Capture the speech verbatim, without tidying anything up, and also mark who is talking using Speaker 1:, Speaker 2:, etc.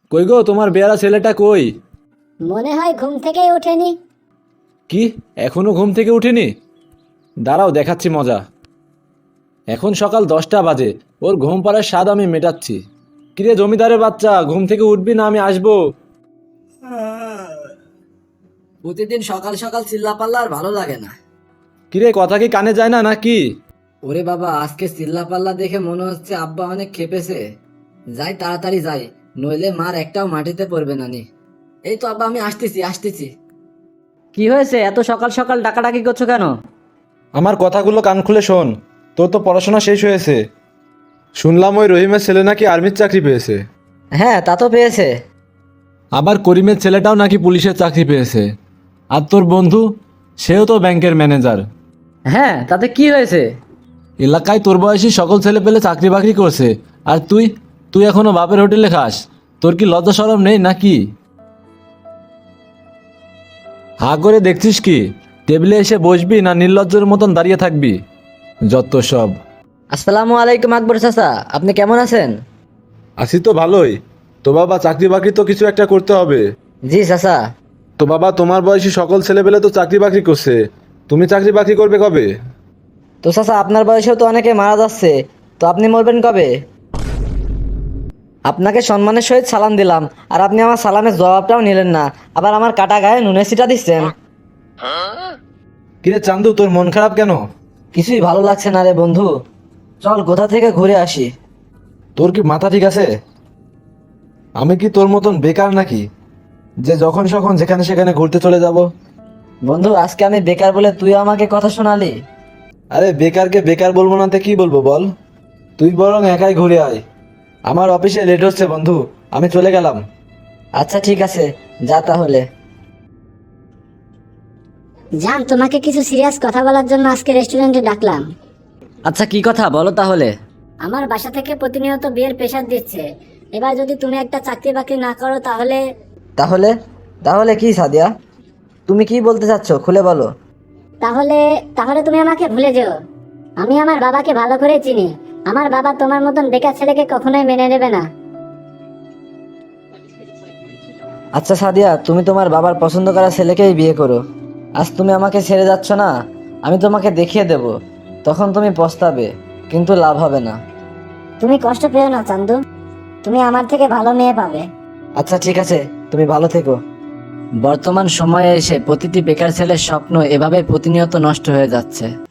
Speaker 1: কই গো, তোমার বেয়ারা ছেলেটা কই?
Speaker 2: মনে হয় ঘুম থেকেই ওঠেনি।
Speaker 1: কি, এখনো ঘুম থেকে উঠেনি? দাঁড়াও, দেখাচ্ছি মজা। এখন সকাল দশটা বাজে, ওর ঘুম পাড়ার স্বাদ আমি মেটাচ্ছি। কিরে জমিদারের বাচ্চা, ঘুম থেকে উঠবি না? আমি আসবো।
Speaker 3: প্রতিদিন সকাল সকাল চিল্লাপাল্লা আর ভালো লাগে না।
Speaker 1: কিরে, কথা কি কানে যায় না নাকি?
Speaker 3: ওরে বাবা, আজকে চিল্লাপাল্লা দেখে মনে হচ্ছে আব্বা অনেক খেপেছে। যাই তাড়াতাড়ি যাই, নইলে মার একটাও মাটিতে পড়বে না নি। এই তো আব্বা, আমি আসতেছি আসতেছি।
Speaker 4: কি হয়েছে, এত সকাল সকাল ডাকাডাকি করছো কেন?
Speaker 1: আমার কথাগুলো কান খুলে শোন। তোর তো পড়াশোনা শেষ হয়েছে। শুনলাম ওই রহিমের ছেলে নাকি আর্মির চাকরি পেয়েছে।
Speaker 4: হ্যাঁ, তা তো পেয়েছে।
Speaker 1: আবার করিমের ছেলেটাও নাকি পুলিশের চাকরি পেয়েছে। আর তোর বন্ধু, সেও তো ব্যাংকের ম্যানেজার।
Speaker 4: হ্যাঁ, তাতে কি হয়েছে?
Speaker 1: এলাকায় তোর বয়সী সকল ছেলে পেলে চাকরি বাকরি করছে, আর তুই তুই এখনো বাপের হোটেলে খাস। তোর কি লজ্জা শরম নেই নাকি? হা করে দেখছিস কি? টেবিলে এসে বসবি না নির্লজ্জের মতন দাঁড়িয়ে থাকবি? যত সব।
Speaker 4: আসসালামু আলাইকুম আকবর চাচা, আপনি কেমন আছেন?
Speaker 1: আছি তো ভালোই। তো বাবা, চাকরি বাকরি তো কিছু একটা করতে হবে।
Speaker 4: জি চাচা।
Speaker 1: তো বাবা, তোমার বয়সী সকল ছেলেপেলে তো চাকরি বাকরি করছে, তুমি চাকরি বাকরি করবে কবে?
Speaker 4: তো চাচা, আপনার বয়সেও তো অনেকে মারা যাচ্ছে, তো আপনি মরবেন কবে? আপনাকে সম্মানের সহিত সালাম দিলাম, আর আপনি আমার সালামের জবাবটাও নিলেন না, আবার আমার কাটা গায়ে নুনের ছিটা দিচ্ছেন।
Speaker 1: কিরে চান্দু, তোর মন খারাপ কেন?
Speaker 4: কিছুই ভালো লাগছে না রে বন্ধু, চল কোথা থেকে ঘুরে আসি।
Speaker 1: তোর কি মাথা ঠিক আছে? আমি কি তোর মতন বেকার নাকি, যে যখন সখন যেখানে সেখানে ঘুরতে চলে যাব?
Speaker 4: বন্ধু, আজকে আমি বেকার বলে তুই আমাকে কথা শোনালি?
Speaker 1: আরে বেকারকে বেকার বলবো না তো কি বলবো বল? তুই বরং একাই ঘুরে আয়। আমার অফিসে লেট হচ্ছে বন্ধু, আমি চলে গেলাম।
Speaker 4: আচ্ছা ঠিক আছে, যা তাহলে।
Speaker 2: জান, তোমাকে কিছু সিরিয়াস কথা বলার জন্য আজকে রেস্টুরেন্টে ডাকলাম।
Speaker 4: আচ্ছা, কি কথা বলো তাহলে।
Speaker 2: আমার বাসা থেকে প্রতিনিয়ত বিয়ের প্রেশার দিচ্ছে। এবার যদি তুমি একটা চাকরি বাকরি না করো তাহলে।
Speaker 4: তাহলে তাহলে কি সাদিয়া, তুমি কি বলতে চাচ্ছ, খুলে বলো।
Speaker 2: তাহলে তাহলে তুমি আমাকে ভুলে যেও। আমি আমার বাবাকে ভালো করে চিনি। আমার বাবা তোমার মতন বেকার ছেলেকে কখনোই মেনে নেবে না।
Speaker 4: আচ্ছা সাদিয়া, তুমি তোমার বাবার পছন্দ করা ছেলেকেই বিয়ে করো। আজ তুমি আমাকে ছেড়ে যাচ্ছ না, আমি তোমাকে দেখিয়ে দেব, তখন তুমি পস্তাবে, কিন্তু লাভ হবে না।
Speaker 2: তুমি কষ্ট পেও না চান্দু, তুমি আমার থেকে ভালো মেয়ে পাবে।
Speaker 4: আচ্ছা ঠিক আছে, তুমি ভালো থেকো। বর্তমান সময়ে এসে প্রতিটি বেকার ছেলের স্বপ্ন এভাবে প্রতিনিয়ত নষ্ট হয়ে যাচ্ছে।